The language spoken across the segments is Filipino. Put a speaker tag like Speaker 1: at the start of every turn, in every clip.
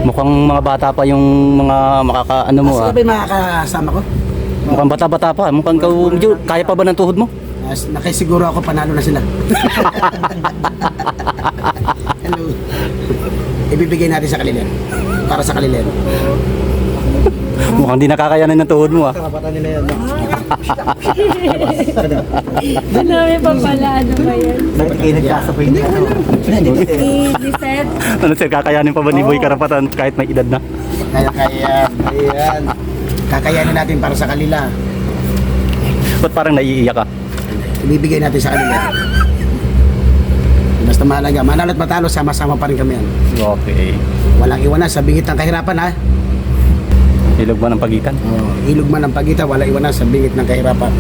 Speaker 1: Mukhang mga bata pa yung mga makakaano mo
Speaker 2: Sino ba yung makakasama ko?
Speaker 1: Mukhang bata-bata pa. Mukhang medyo kaya pa ba ng tuhod mo?
Speaker 2: Nakisiguro ako panalo na sila. Hello. Ibibigay natin sa kanila. Para sa kanila.
Speaker 1: Mukhang di nakakayanan ng tuhod mo
Speaker 2: Karapatan nila yan.
Speaker 3: Ano pa pala, ano ba yan?
Speaker 2: Bakit kayo nagkasabay niya?
Speaker 3: Lisette?
Speaker 1: Ano sir, kakayanin pa ba ni Boy Karapatan kahit may edad na?
Speaker 2: Ayan. Kakayanin natin para sa kanila.
Speaker 1: Ba't parang naiiyak ka?
Speaker 2: Ibibigay natin sa kanila. Basta mahalaga, manalo at matalo, sama-sama pa rin kami yan.
Speaker 1: Okay.
Speaker 2: Walang iwanan sa bingit ng kahirapan ha.
Speaker 1: Ilog ba ng pagitan?
Speaker 2: Ilog man ang pagitan, walang iwanan sa bingit ng kahirapan.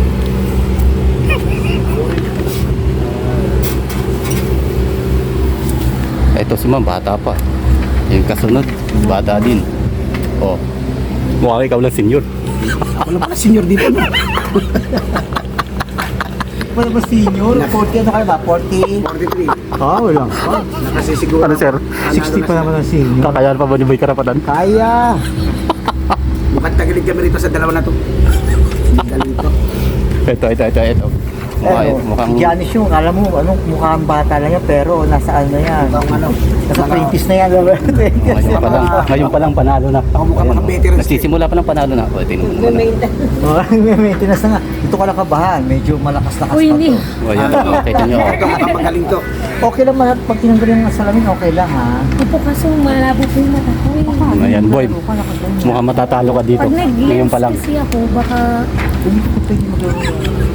Speaker 1: Ito si ma'am, bata pa. Yung kasunod, bata din. Oh. Mukhang ikaw lang senior.
Speaker 2: Wala pala senior dito. No?
Speaker 4: Wala ba senior? 40 ano kayo ba? 40?
Speaker 2: 43.
Speaker 4: Wala.
Speaker 2: Nakasisiguro.
Speaker 1: Ano sir?
Speaker 4: 60 pa naman ang senior.
Speaker 1: Kakayanan pa ba ni Boy Karapatan?
Speaker 4: Kaya!
Speaker 2: Mukhang tagilid kami rito sa dalawa na to. Galing to.
Speaker 1: Ito. Mukhang
Speaker 4: Si Janice yung, alam mo, mukhang bata lang yan, pero nasa ano yan?
Speaker 2: Mukhang ano?
Speaker 4: Nasa 20s na yan.
Speaker 1: ngayon pa lang panalo na.
Speaker 2: Ako mukhang
Speaker 1: Ayan,
Speaker 2: mga veterans.
Speaker 1: nagsisimula pa lang panalo na. O, tingnan mo naman.
Speaker 4: May maintenance na nga. Ito ka lang kabahan, medyo malakas-lakas
Speaker 3: Uy,
Speaker 4: pa
Speaker 3: ni.
Speaker 4: to.
Speaker 1: O, ayan, kita nyo.
Speaker 2: Ito mukhang magaling to.
Speaker 4: Okay lang, pag tinanggalin ng salamin, okay lang ha.
Speaker 3: Opo, kaso malabo po yung mata ko eh.
Speaker 1: Ayan, boy. Mukhang matatalo ka dito.
Speaker 3: Pag
Speaker 1: Ngayon
Speaker 3: nag-lens
Speaker 1: pa lang.
Speaker 3: kasi ako, baka
Speaker 4: Hindi ko pwede magagawa.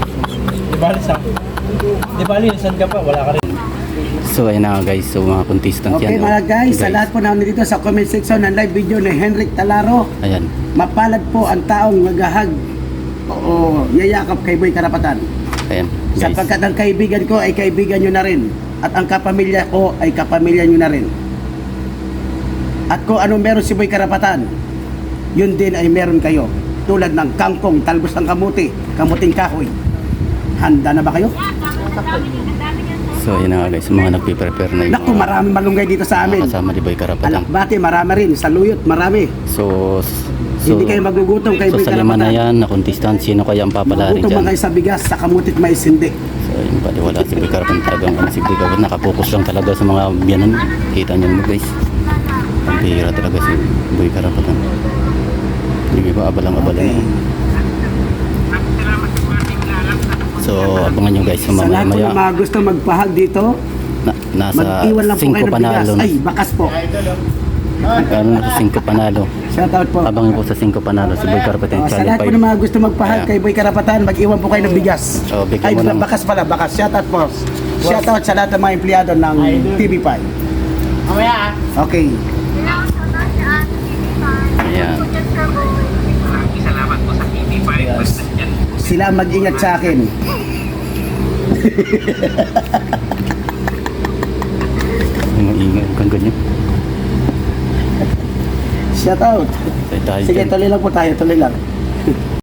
Speaker 5: Di ba lisan ka pa? Wala ka rin.
Speaker 1: So, ayan na guys. So, mga contestant
Speaker 2: Okay
Speaker 1: yan.
Speaker 2: mga guys, sa
Speaker 1: Guys.
Speaker 2: lahat po namin dito sa comment section ng live video ni Henrik Talaro,
Speaker 1: Ayan.
Speaker 2: mapalad po ang taong maghahag o yayakap kay Boy Karapatan.
Speaker 1: Ayan, guys.
Speaker 2: Sapagkat ang kaibigan ko ay kaibigan nyo na rin. At ang kapamilya ko ay kapamilya nyo na rin. At kung anong meron si Boy Karapatan, yun din ay meron kayo. Tulad ng kangkong, talbos ng kamuti, kamuting kahoy. Handa na ba kayo?
Speaker 1: So, ayan na nga guys. Mga nagpiprepare na yung
Speaker 2: Naku, marami malunggay dito sa amin.
Speaker 1: kasama ni Boy Karapatan.
Speaker 2: Alakbate, marami rin. Sa Luyot, marami.
Speaker 1: So,
Speaker 2: Hindi kayo magugutom kay
Speaker 1: so
Speaker 2: Boy
Speaker 1: sa lima na
Speaker 2: Karapatan.
Speaker 1: yan, na contestant, sino kaya ang papalarin
Speaker 2: Magutom
Speaker 1: dyan?
Speaker 2: man kayo sa bigas, sa kamutit may sindi.
Speaker 1: So, yun pala, wala si Boy Karapatan talagang. Si Boy Karapatan, nakapokus lang talaga sa mga biyanan. Kita nyo mo guys. Ang bihira talaga si Boy Karapatan. Hindi ba abalang-abala na. So, abangan nyo guys sa
Speaker 2: Sa lahat po
Speaker 1: mamaya.
Speaker 2: ng mga gusto magpahag dito,
Speaker 1: Nasa
Speaker 2: mag-iwan lang po
Speaker 1: 5
Speaker 2: kayo ng bigas.
Speaker 1: panalo.
Speaker 2: Ay, bakas po.
Speaker 1: Ano na sa 5 panalo.
Speaker 2: Shout out po.
Speaker 1: Abangan po sa 5 panalo si Boy Karapatan.
Speaker 2: Sa lahat po ng mga gusto magpahag
Speaker 1: Ayan.
Speaker 2: kay Boy Karapatan, mag-iwan po kayo ng bigas.
Speaker 1: Oh, bigyan
Speaker 2: Ay,
Speaker 1: mo ng-
Speaker 2: bakas pala, bakas. Shout out po. Shout out sa lahat ng mga empleyado ng TV5. Okay.
Speaker 1: Ayan.
Speaker 2: Sila ang mag-ingat sa akin.
Speaker 1: Ingay kang ganyan.
Speaker 2: Shout out.
Speaker 1: Tayo
Speaker 2: Sige,
Speaker 1: dyan.
Speaker 2: tuloy lang po tayo, tuloy lang.